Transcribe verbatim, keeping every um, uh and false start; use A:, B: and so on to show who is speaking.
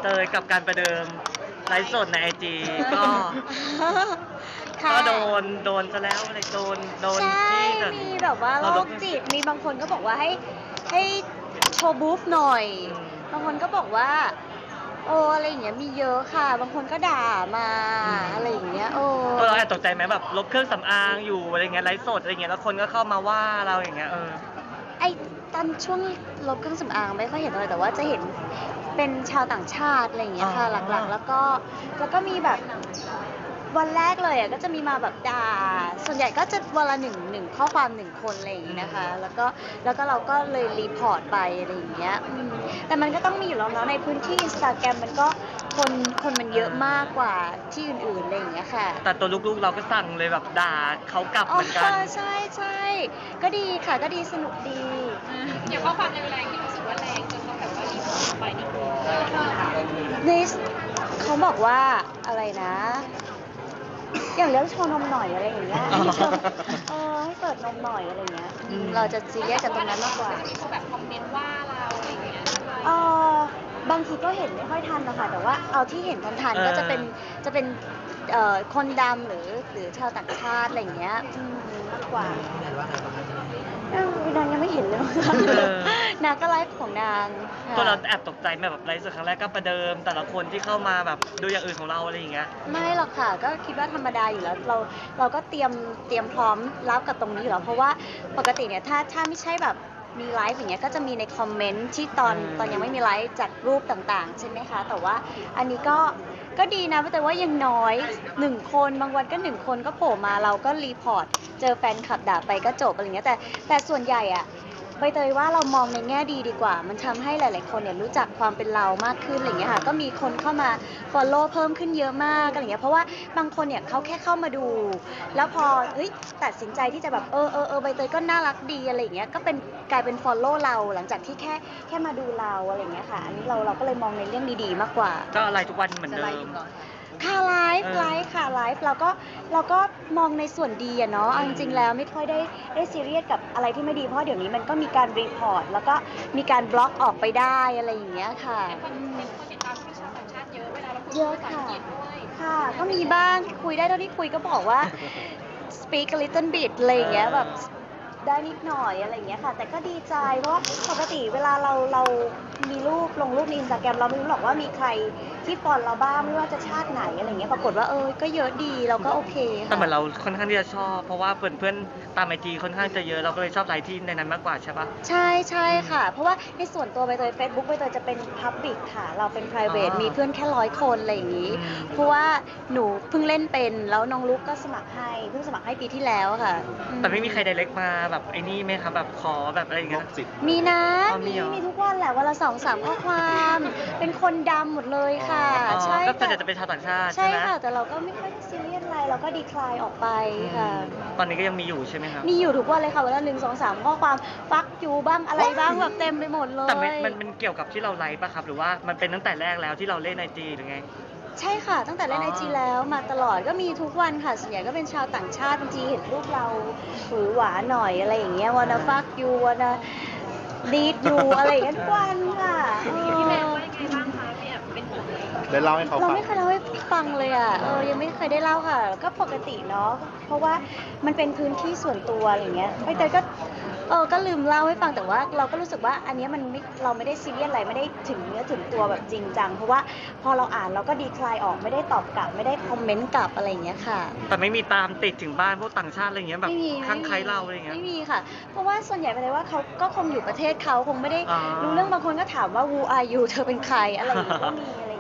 A: เตยกับการประเดิมไลฟ์สดในไอจีก็
B: ค่ะ
A: ก็โดนโดนซะแล้วอะไรโดนโดน
B: ใช่
A: ที่แบบ
B: มีแบบว่าโร
A: เรา
B: คจิตมีบางคนก็บอกว่าให้ให้โชว์บูฟหน่อย
A: อืม
B: บางคนก็บอกว่าโอ้อะไรอย่างเงี้ยมีเยอะค่ะ บางคนก็ด่ามาอะไรอย่างเงี้ยโอ้
A: ตัวเราแอบตกใจไหมแบบลบเครื่องสำอางอยู่อะไรเงี้ยไลฟ์สดอะไรเงี้ยแล้วคนก็เข้ามาว่าเราอย่างเงี้ยเออ
B: ไอตอนช่วงลบเครื่องสำอางไม่ค่อยเห็นเลยแต่ว่าจะเห็นเป็นชาวต่างชาติอะไรอย่างเงี้ยค่ะ
A: อ๋อ
B: หลักๆ แล้วก็แล้วก็มีแบบวันแรกเลยอ่ะก็จะมีมาแบบด่าส่วนใหญ่ก็จะวันละหนึ่งหนึ่งข้อความหนึ่งคนอะไรอย่างงี้นะคะ แล้วก็แล้วก็เราก็เลยรีพอร์ตไปอะไรอย่างเงี้ยอืมแต่มันก็ต้องมีอยู่แล้วเนาะในพื้นที่อินสตาแกรมมันก็คนคนมันเยอะมากกว่าที่อื่นๆอะไรอย่างเงี้ยค่ะ
A: แต่ตัวลูกๆเราก็สั่งเลยแบบด่าเขากลับเหมือนกัน
B: ใช่ใช่ก็ดีค่ะก็ดีสนุกดี
C: อย่างข้อความแรงๆที่รู้สึกว่าแรงจนต้องแบบว่ารีบออกไปนี่คือ
B: ในเขาบอกว่าอะไรนะ อย่างเรื่องโชว์นมหน่อยอะไรอย่างเงี้ย
A: อ๋อ
B: ให้เปิดเออให้เปิดนมหน่อยอะไรเงี้ยอืมเราจะซีเรียสกับตรงนั้นมากกว่า
C: ที่เขาแบบคอมเมนต์ว่าเราอะไรอย่างเงี้ย
B: เออบางทีก็เห็นไม่ค่อยทันนะคะแต่ว่าเอาที่เห็นทัน
A: เออ
B: ๆก็จะเป็นจะเป็นเอ่อคนดำหรือหรือชาวต่างชาติอะไรอย่างเงี้ยอืมมากกว่าเออนางยังไม่เห็นเลยมั้งคะ
A: เออ
B: นางก็ไลฟ์ของนางค่ะ
A: ตัวเราแอบตกใจไหมแบบไลฟ์สดครั้งแรกก็ประเดิม แต่ละคนที่เข้ามาแบบดูอย่างอื่นของเราอะไรอย่างเงี้ย
B: ไม่หรอกค่ะก็คิดว่าธรรมดาอยู่แล้วเราเราก็เตรียมเตรียมพร้อมรับกับตรงนี้อยู่แล้วเพราะว่าปกติเนี่ยถ้าถ้าไม่ใช่แบบมีไลฟ์อย่างเงี้ยก็จะมีในคอมเมนต์ที่ตอน
A: อืม
B: ตอนยังไม่มีไลฟ์จากรูปต่างๆ ใช่ไหมคะ แต่ว่าอันนี้ก็ก็ดีนะแต่ว่ายังน้อยหนึ่งคนบางวันก็หนึ่งคนก็โผล่มาเราก็รีพอร์ตเจอแฟนคลับด่าไปก็จบอะไรเงี้ยแต่แต่ส่วนใหญ่อะใบเตยว่าเรามองในแง่ดีดีกว่า มันทำให้หลาย ๆ คนเนี่ยรู้จักความเป็นเรามากขึ้นอะไรเงี้ยค่ะก็มีคนเข้ามา follow เพิ่มขึ้นเยอะมากอะไรเงี้ยเพราะว่าบางคนเนี่ยเขาแค่เข้ามาดู แล้วพอเฮ้ยตัดสินใจที่จะแบบเออเออเออใบเตยก็น่ารักดีอะไรอย่างเงี้ยก็เป็นกลายเป็น follow เราหลังจากที่แค่แค่มาดูเราอะไรอย่างเงี้ยค่ะอันนี้เราเราก็เลยมองในเรื่องดีๆมากกว่า
A: ก็อะไรทุกวันเหมือนเดิม
B: ค่ะไลฟ์
A: เออ
B: ไลฟ์ค่ะไลฟ์เราก็เราก็มองในส่วนดีอะเนาะเอาจริงๆแล้วไม่ค่อยได้ได้ซีเรียสกับอะไรที่ไม่ดีเพราะเดี๋ยวนี้มันก็มีการรีพอร์ตแล้วก็มีการบล็อกออกไปได้อะไรอย่างเงี้ยค่ะ
C: คนเป็นคนติดตามที่ชาวต่างชาติเยอะเวลาเราคุย
B: เยอะ
C: ภาษา
B: ค่ะ
C: อังกฤษด้วย
B: ค่ะ ก็มีบ้างคุยได้เท่าที่คุยก็บอกว่า speak a little bit อะไรอย่างเงี้ยแบบได้นิดหน่อยอะไรอย่างเงี้ยค่ะ แต่ก็ดีใจเพราะว่าปกติเวลาเราเรามีรูปลงรูปในอินสตาแกรมเราไม่รู้หรอกว่ามีใครที่ฟอลเราบ้างไม่ว่าจะชาติไหนอะไรเงี้ยปรากฏว่าเออก็เยอะดีเราก็โอเค
A: แต่
B: ค่ะ
A: เหมือนเราค่อนข้างที่จะชอบ เพราะว่าเพื่อนเพื่อนๆตามไอจีค่อนข้างจะเยอะเราก็เลยชอบไลฟ์ที่ในนั้นมากกว่าใช่ปะ
B: ใช่ใช่ค่ะ เพราะว่าในส่วนตัวใบเตย Facebook ใบเตยจะเป็น Public ค่ะ เราเป็น private
A: อ๋อ
B: มีเพื่อนแค่ร้อยคนอะไรอย่างนี้
A: อืม
B: เพราะว่าหนูเพิ่งเล่นเป็นแล้วน้องลุกก็สมัครให้เพิ่งสมัครให้ปีที่แล้วค่ะอื
A: แต่ไม่มีใครไดเรกมาแบบไอ้นี่ไหมครับแบบขอแบบอะไรอย่างเงี้ย
B: มีนะ
A: อ๋อมี
B: มี
A: เหรอ
B: มีทุกวันแหละวันละสองสามข้อความ เป็นคนดำหมดเลยค่ะ
A: อ๋อ
B: ใช่
A: ก็ส่วนใหญ่
B: แต่
A: จะเป็นชาวต่างชาติ
B: ใช่
A: ใช่ไหม
B: ค่ะ แต่เราก็ไม่ค่อยซีเรียสอะไรเราก็ดีคลายออกไปค่ะ
A: ตอนนี้ก็ยังมีอยู่ใช่ไหมครับ
B: มีอยู่ทุกวันเลยค่ะวันละหนึ่งสองสามข้อความฟักอยู่บ้างอะไรบ้างแบบเต็มไปหมดเลย
A: แต่มันมันมันเกี่ยวกับที่เราไลฟ์ป่ะครับ หรือว่ามันเป็นตั้งแต่แรกแล้วที่เราเล่นไอจีหรือไง
B: ใช่ค่ะ ตั้งแต่เล่น
A: อ๋
B: ไอ
A: อ
B: จีแล้วมาตลอดก็มีทุกวันค่ะส่วนใหญ่ก็เป็นชาวต่างชาติบางทีเห็นรูปเราหวือหวาหน่อยอะไรอย่างเงี้ยวันฟักยูวันลีดยูอะไรอย่างเงี้ยทุกวันค่ะเออ
C: พี่แม่ว่ายังไงบ้างคะพี่แอบเป็นห่วงไหม
D: ได้เล่าให้เขา
B: เรา
D: ฟัง
B: ไม่เคยเล่าให้ฟังเลยอ่ะเออยังไม่เคยได้เล่าค่ะ ก็ปกติเนาะเพราะว่ามันเป็นพื้นที่ส่วนตัวอะไรอย่างเงี้ยไม่แต่ก็เออก็ลืมเล่าให้ฟังแต่ว่าเราก็รู้สึกว่าอันเนี้ยมันไม่เราไม่ได้ซีเรียสอะไรไม่ได้ถึงเนื้อถึงตัวแบบจริงจังเพราะว่าพอเราอ่านเราก็ดีคลายออกไม่ได้ตอบกลับไม่ได้คอมเมนต์กลับอะไรอย่างเงี้ยค่ะ
A: แต่ไม่มีตามติดถึงบ้านพวกต่างชาติอะไรอย่างเงี้ยแบบ
B: ไม่มี
A: ข้างใครเราอะไรอย่างเงี้ย
B: ไม่มีค่ะ เพราะว่าส่วนใหญ่เป็นเลยว่าเขาก็คงอยู่ประเทศเขาคงไม่ได้
A: อ๋อ
B: รู้เรื่องบางคนก็ถามว่า who are you เธอเป็นใครอะไรอย่างเงี้ยก็มีอะไร